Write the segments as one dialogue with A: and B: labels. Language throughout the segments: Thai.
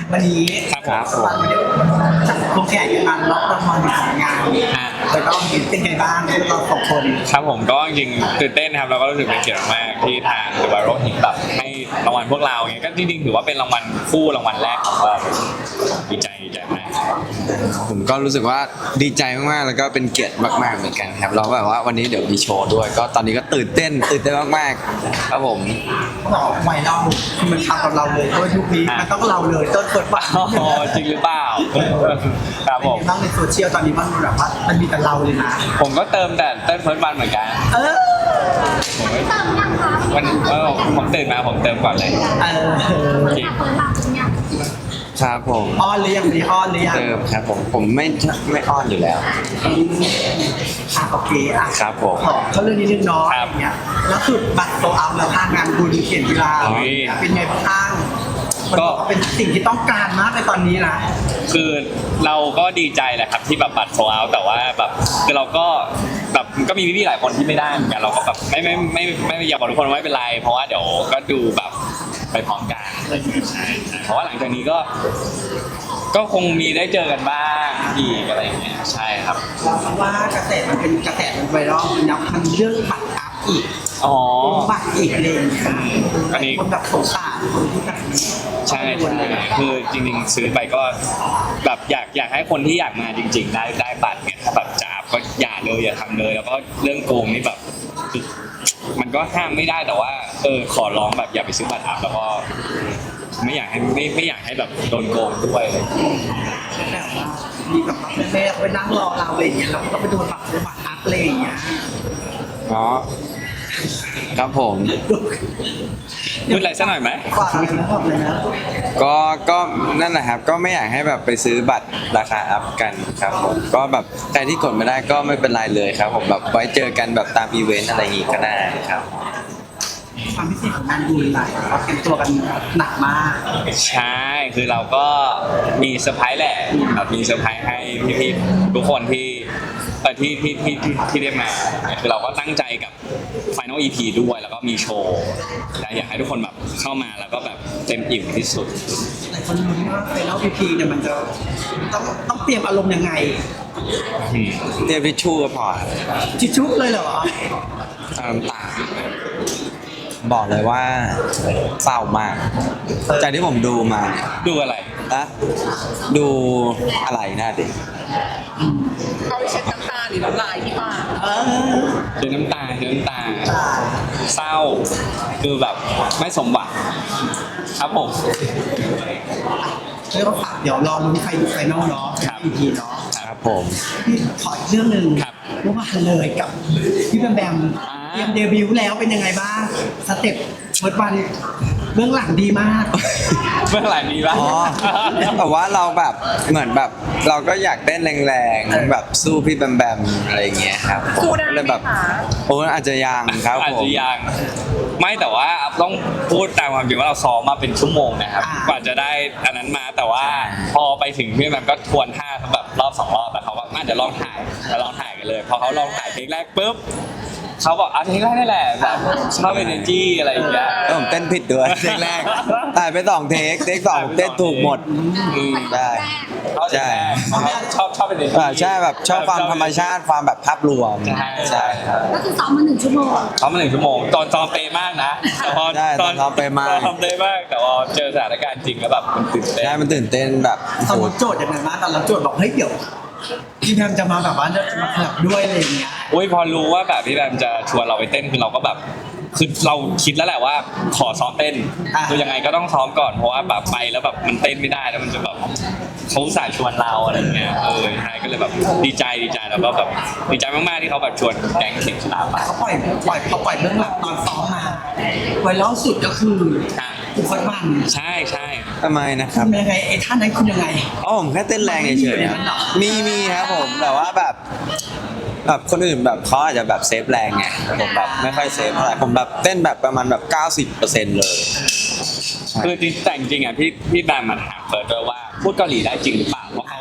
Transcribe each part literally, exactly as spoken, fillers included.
A: วันนี้
B: ครับครับผม
A: วันนี้ลงแข่งกันรับรางวัลของงานแต่ก็เป็นไงบ้างพวกเราสองคน
B: ครับผมก็จริงๆตื่นเต้นครับแล้วก็รู้สึกเป็นเกียรติมากที่ทาง The Viral หินแบบให้รางวัลพวกเราอย่างเงี้ยก็จริงๆถือว่าเป็นรางวัลคู่รางวัลแรกของเราดีใจดีใจมาก
C: ผมก็รู้สึกว่าดีใจมากๆ แล้วก็เป็นเกียรติมากๆเหมือนกันครับเราแบบว่าวันนี้เดี๋ยวมีโชว์ด้วย ก็ตอนนี้ก็ตื่นเต้นตื่นเต้นมากๆครับผม
A: บอกไวเราคือมันทำกับเราเลยเพราะว่ายุคนี้มันต้องเราเลยต้นเปิดบ้าน
B: อ๋อจริงหรือเปล่าครับผม
A: บ้างในโซเชียลตอนนี้มันแบบว่ามันมีแต่เราเลยนะ
B: ผมก็เติมแต่เติมเฟิร์สวันเหมือนกัน
A: เออ
B: ผมไม่
D: เติมยังคะ
B: วันเออผมตื่นมาผมเติมก่อนเลย
A: เออ
B: จริง
D: เปิดหลังเป็นยัง
C: ครับผม
A: อ้อนหรือยังมีอ้อนหรือยัง
C: เติมครับผมผมไม่ไม่อ้อนอยู่แล้ว
A: อ่ะโอเคอ่ะ
C: ครับผม
A: ขอเขาเรื่องนี้นึงเนาะอย่างเงี้ยแล้วคือบัตรโซอัพแล้วทางงานบุญเขียนกีฬาเป็นไงบ้างมันบอกว่าเป็นสิ่งที่ต้องการมากในตอนนี้นะ
B: คือเราก็ดีใจแหละครับที่แบบบัตรโซลเอาท์แต่ว่าแบบคือเราก็แบบก็มีพี่ๆหลายคนที่ไม่ได้เหมือนกันเราก็แบบไม่ไม่ไม่ไม่ไม่อยากบอกทุกคนว่าไม่เป็นไร เพราะว่าเดี๋ยวก็ดูแบบไปพร้อมกันใช่ใช่เพราะว่าหลังจากนี้ก็ ก็คงมีได้เจอกันบ้างอีกอะไรอย่างเงี้ยใช่ครับ
A: เราว่ากระแสมันเป็นกระแสมันไวรัลมันนับมันเรื่องบัตรอัพอีก
B: อ๋อ
A: บัตรอีกเลยค่ะ
B: อันนี้
A: คนแบบสงสารคนที่แบบ
B: ใช่ใช่คือจริงๆซื้อไปก็แบบอยากอยากให้คนที่อยากมาจริง ๆ ได้ได้บัตรเนี่ยถ้าแบบจะอัพก็อย่าเลยอย่าทำเลย แล้วก็เรื่องโกงนี่แบบมันก็ห้ามไม่ได้แต่ว่าเออขอร้องแบบอย่าไปซื้อบัตรอัพแล้วก็ไม่อยากให้ไม่ไม่อยากให้แบบโดนโกงด้วยเลย
A: แบบว่ามีแบบว่าแม่ๆไปนั่งรอเราอะไรอย่างเงี้ยเราก็ต้องไปโดนบัตรบัตรอัพอะไรอย่างเงี้ย
C: เนาะครับผม
B: พูดอะไรสักหน่อยไหม
A: ฝากอะไรนะบอกเลยนะ
C: ก็ก็นั่นแหละครับก็ไม่อยากให้แบบไปซื้อบัตรราคาอัพกันครับผมก็แบบใครที่กดไม่ได้ก็ไม่เป็นไรเลยครับผมแบบไว้เจอกันแบบตามอีเวนต์อะไรอย่างงี้ก็ได้ครับ
A: ความพิเศษของงานบุญหลายเราเตรียมตัวกันหนักมาก
B: ใช่คือเราก็มีเซอร์ไพรส์แหละแบบมีเซอร์ไพรส์ให้พี่ๆทุกคนที่เออที่ที่ที่ที่ที่ได้มาคือเราก็ตั้งใจกับ Final อี พี ด้วยแล้วก็มีโชว์อยากให้ทุกคนแบบเข้ามาแล้วก็แบบเต็มอิ่มที่สุด
A: หลายคนรู้นว่าไฟนอลพีพีเนี่ยมันจะต้องต้องเตรียมอารมณ์ยังไง
B: อืม
C: เตรียมทิชชู่ก็พอ
A: ทิชชู่เลยเหรอ
C: เอาน้ำตาบอกเลยว่าเศร้ามาก จากที่ผมดูมาเนี่ย
B: ดูอะไร
C: นะดูอะไรน่าดิ
E: เอาไปเช็ดน้ำตาหรือน้ำลายที่ปาก
A: เออ
B: เจอน้ำตาเจอน้ำตาเศร้าคือแบบไม่สมหวังครับผม
A: เรียกว่าฝากเดี๋ยวรอลุ้นไฟไฟนอลเนาะ
B: ครับ
A: พีพีเนาะ
C: ครับผม
A: พี่ขออีกเรื่องหนึ่ง
B: ครับ
A: เมื่อวานเลยกับพี่แบมแบม
B: อ่า
A: เตรียมเดบิวต์แล้วเป็นยังไงบ้างสเต็ปเฟิร์สวันเบื้องหลังดีมาก
B: เมื่อไหร่มีบ้าง
C: อ๋อแต่ว่าเราแบบเหมือนแบบเราก็อยากเต้นแรงๆแบบสู้พี่แบมแบมอะไรอย่างเงี้ยครับผม
E: สู้ได้
C: ก็
E: ไห
C: เลย
E: ม
C: แบบ
E: คะ
C: โอ้อาจจะยังครับ
B: อาจ
C: ผม
B: จะยังไม่แต่ว่าต้องพูดตามความจริงว่าเราซ้อมมาเป็นชั่วโมงนะครับ
A: อ่าก
B: ว่าจะได้อันนั้นมาแต่ว่าพอไปถึงพี่แบมก็ทวนท่าแบบรอบสองรอบแต่เขาว่าน่าจะลองถ่ายแล้วลองถ่ายกันเลยพอเขาลองถ่ายเทคแรกปุ๊บเขาบอกอ่ะเทคแรกนี่แหละแบบชอบเอเนจีอะไรอย่างเงี้ย
C: แล้วผมเต้นผิดด้วยเทคแรกถ่ายไปสองเทคเทคสองเต้นถูกหมด
B: อืม
C: ได้ ใช่
B: ชอบชอบเอเนจี
C: อ่าใช่แบบชอบความธรรมชาติความแบบภาพรวม
B: ใช่
C: ใช่ครับ
D: ก็คือซ้อมมาหนึ่งชั่วโมง
B: ซ้อมมาหนึ่งชั่วโมงตอนซ้อมเป๊ะมากนะแต่พอ
C: ใช่ตอนซ้อมเป๊ะมาก
B: ตอนซ้อมเป๊ะมากแต่พอเจอสถานการณ์จริงแล้วแบบมันตื่นเต้น
C: ใช่มันตื่นเต้นแบบ
A: ตอน
C: โห
A: รับโจทย์อย่างไรบ้างตอนรับโจทย์บอกเฮ้ยเดี๋ยวพี่แบมจะมาแบบว่าจะมาขับด้วยอะไรอย่างเงี้ย
B: อุ้ยพอรู้ว่าแบบพี่แบมจะชวนเราไปเต้นคือเราก็แบบคือเราคิดแล้วแหละว่าขอซ้อมเต้น
A: อ่า
B: คือยังไงก็ต้องซ้อมก่อนเพราะว่าแบบไปแล้วแบบมันเต้นไม่ได้แล้วมันจะแบบเขาอุตสายชวนเราอะไรอย่างเงี้ยเออใช่ก็เลยแบบดีใจดีใจแล้วก็แบบดีใจมากๆที่เขาแบบชวนแก๊งเข็งชลาไป
A: เขาปล่อยปล่อยเขาปล่อยเบื้องหลังตอนซ้อมมาไวรัลสุดก็คือ
B: อ่ะ
A: คุณเฟิร์สวัน
B: ใช่ใช่
C: ทำไมนะค
A: คุ
C: รับ
A: ณยังไงไอ้ท่านั้นคุณยังไง
C: อ๋อผมแค่เต้นแรงเฉยๆครับมีมีครับผมแต่ว่าแบบแบบคนอื่นแบบเขาอาจจะแบบเซฟแรงไงผมแบบไม่ค่อยเซฟเท่าไหร่ผมแบบเต้นแบบประมาณแบบเก้าสิบเปอร์เซ็นต์เลย
B: คือจริงแต่จริงๆอ่ะพี่พี่แบมมาถามเฟิร์สด้วยว่าพูดเกาหลีได้จริงหรือเปล่าเพราะเขา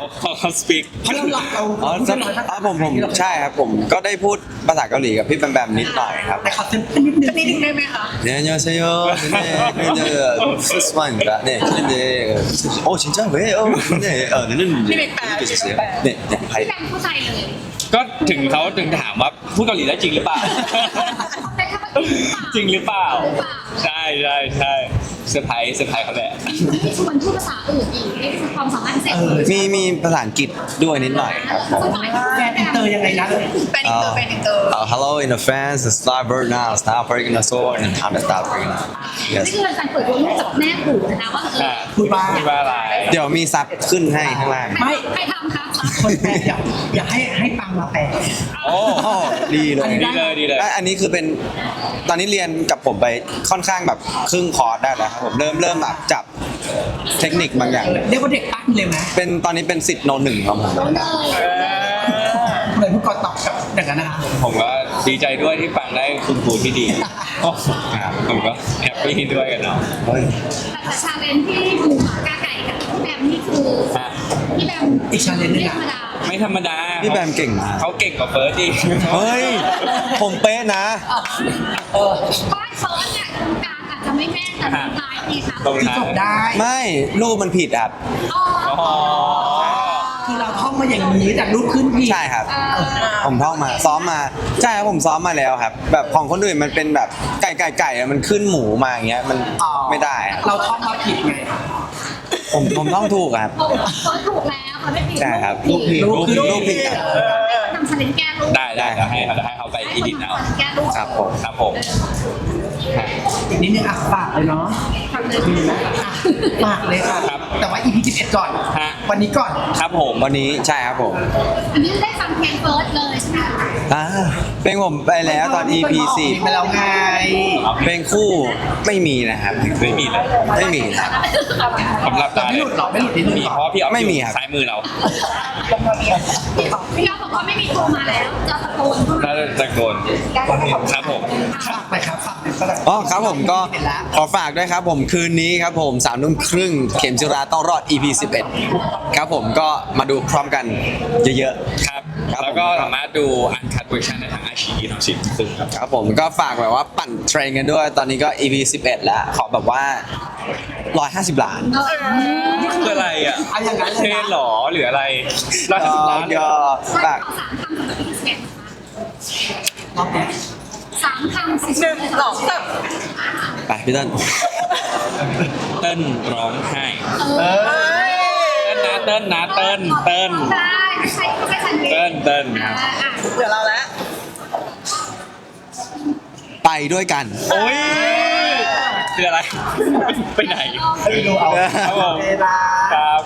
B: เขาเขาสปีก
A: เพราะเราหลักเรา
C: อ๋อ
A: พูด
C: ใช่
A: น้อยภาษา
C: ผมผมใช่ครับผมก็ได้พูดภาษาเกาหลีกับพี่แบมแบมนิดหน่อยครับ
A: แต่ขอเต็มนิดนึง
E: นิดนึงได้ไหมคะ
C: 네 안녕하세요. 네, 네, 스스만입니다. 네, 네, 어 진짜 왜요? 네, 어, 네는 이렇게 주세요. 네, 네,
D: พี่
C: 하이.
D: แบมเข้าใจเลย
B: ก็ถึงเขาถึงถามว่าพูดเกาหลีได้จริงหรือเปล่า
D: แต่ถ้าว่าจริงหรือเปล่า
B: จริงหรือเปล่า ใช่ใช่ใช่เซอร์ไพรส์เซอร์ไพรส์เขาแหละ
D: ที่ชวนพูดภาษาอื่นอีกนี่คือความสามารถพิเศษ
A: เออ
C: มีมีภาษาอังกฤษด้วยนิดหน่อยครับผม
D: สักหน่อย
A: แฟนอินเตอร์ยังไงนะ
E: เป็นอินเตอร์เป็นอินเตอร์
C: Uh, hello in the fans, the star bird now, star breaking the soul, and I'm the star breaking now.
D: นี่
C: Yes.
D: คือการเปิดตัวลูกจากแม่ปู่นะว่าเออ
A: พูดบ้าง
B: พูดว่าอะไร
C: เดี๋ยวมีซับขึ้นให้ข้างล่าง
D: ไม่ใครทำคะ
A: คนแปลอยากอยากให้ให้ปังมาแปล
B: โอ้
C: โอ้ดีเลย
B: ดีเลยดีเลย
C: และอันนี้คือเป็นตอนนี้เรียนกับผมไปค่อนข้างแบบครึ่งคอร์สได้แล้วครับผมเริ่มเริ่มแบบจับเทคนิคบางอย่าง
A: เรียกว่าเด็กปั้นเลยไหม
C: เป็นตอนนี้เป็นสิทธิ์โนหนึ่งครับผม
D: โดนเลย
A: เลยผู้กอตอบกับอย่างนั้นนะคะ
B: ผมก็ดีใจด้วยที่ฟังได้คุณครูที่ดีโอ้ผมก็แฮปปี้ด้วยกันเนาะ
C: เฮ้ย
D: แต่ชาเลนจ์ที่หมูหมากาไก่กับพี่แบมนี่คือ
B: ฮะ
D: พี่แบม
A: อีกชาเลนจ์หนึง
D: ไม่ธร
A: อะ
D: รมดา
B: ไม่ธรรมดา
C: พี่แบมเก่งมาก
B: เขาเก่งกว่าเฟิร์สอีก
C: เฮ้ย ผมเป๊ะนะ
A: เออ
D: เพราะเฟิร์สเนี่ยตรงกลางอาจจะไม่แม่นแต่ตรงท้ายนี่ค่ะ
B: ตรง
A: คือ
B: นั้
A: จ
B: น
A: บได้
C: ไม่รูปมันผิดครับ
D: อ๋อ
B: อ๋อ
A: คือเราท่องมาอย่างนี้แต่รูปขึ้นพี่
C: ใช่ครับ
D: เออ
C: ผมท่องมาซ้อมมาใช่ครับผมซ้อมมาแล้วครับ แบบของคนอื่นมันเป็นแบบไก่ไก่ไก่อะมันขึ้นหมูมาอย่างเงี้ยมัน
A: อ๋อ
C: ไม่ได้อะ
A: เราท่องมาผิดไง
C: ผมผมต้องถูกครับ
D: โอ้เฟิร์สถูกแล้วเขาไม่ผิด
C: ใช่ครับ
D: ลูกผิด
C: รูปผิดรูปผิดครับ
D: ทำชาเลนจ์แก้ลูก
B: ได้ได้เดี๋ยวให้เดี๋ยวให้เขาไปอีดิทเอา
D: แก้ลูก
C: ครับผม
B: ครับผม
A: อีกนิดนึงอ่ะฝากเลยเนาะ
D: ทำเลย
A: มีไหมอ่ะฝากเลยค่ะ
B: ครับ
A: แต่ว่า อี พี สิบเอ็ดก่อน
B: ฮะ
A: วันนี้ก่อน
B: ครับผม
C: วันนี้ใช่ครับผม
D: อันนี้ได้ฟังเพลงเฟิร์สเลยใช่ไหม
C: อ่าเพลงผมไปแล้วตอน อี พี สี่
A: ไปแล้วไง
C: เพลงคู่ไม่มีนะครับ
B: ไม่มีเลย
C: ไม่มีครับ
B: สำหรับ
A: แต่ไม่หลุดหรอไม่หลุดนิดนึง
B: มี
A: หรอ
B: เพราะว่าพี่ออฟ
C: ไม่มี
B: อยู่
C: ครับ
B: ซ้ายมือเรา
D: พี่บอกพี่ยอดบอกว่าไม่มีโทรมาแล้วจะตะโกนพูด
B: น่าจะตะโกนครับผม
A: ฝากไปครับฝากไปฝาก
C: อ๋อครับผมก็
A: เห็นแล้ว
C: ขอฝากด้วยครับผมคืนนี้ครับผมสามทุ่มครึ่งเข็มจิราต้องรอด อี พี สิบเอ็ดครับผมก็มาดูพร้อมกันเยอะ
B: ครับ
C: ครับ
B: แล้วก็สามารถดูอันคัดเวอร์ชันในทางอาชีพทางสิบซึ่งครับ
C: ๆครับผมก็ฝากแบบว่าปั่นเทรนกันด้วย ตอนนี้ก็ อี พี สิบเอ็ดแล้วขอแบบว่าหนึ่งร้อยห้าสิบล้าน
B: นี่คืออะไรอ่ะ
A: เอาอย่างนั้นเลยนะ
B: เทรนหรอหรืออะไรร้อยห้าสิบล้านเลยเหร
C: ก็
B: อ
C: ฝาก
D: ขอสามคำสำหรับพี่เสก
A: รอบเนี้ย
D: สามคำสิ
E: หนึ่งสองสาม
C: ไปพี่ต้น
B: เติ้ลร้องไห้
A: เออ
B: เติ้ลนะเติ้ลนะเติ้ลเติ้ล
D: ได้ไม่ใช่ไม่ใช่ฉันเอง
B: เติ้ลเติ้ลครับ
D: อ่าอ่ะ
E: เดี๋ยวเราแล้ว
C: ไปด้วยกัน
B: โอ้ยคืออะไร ไปไหน
A: ไปดูเอา
B: ครับผม
A: เวลา
B: ครับ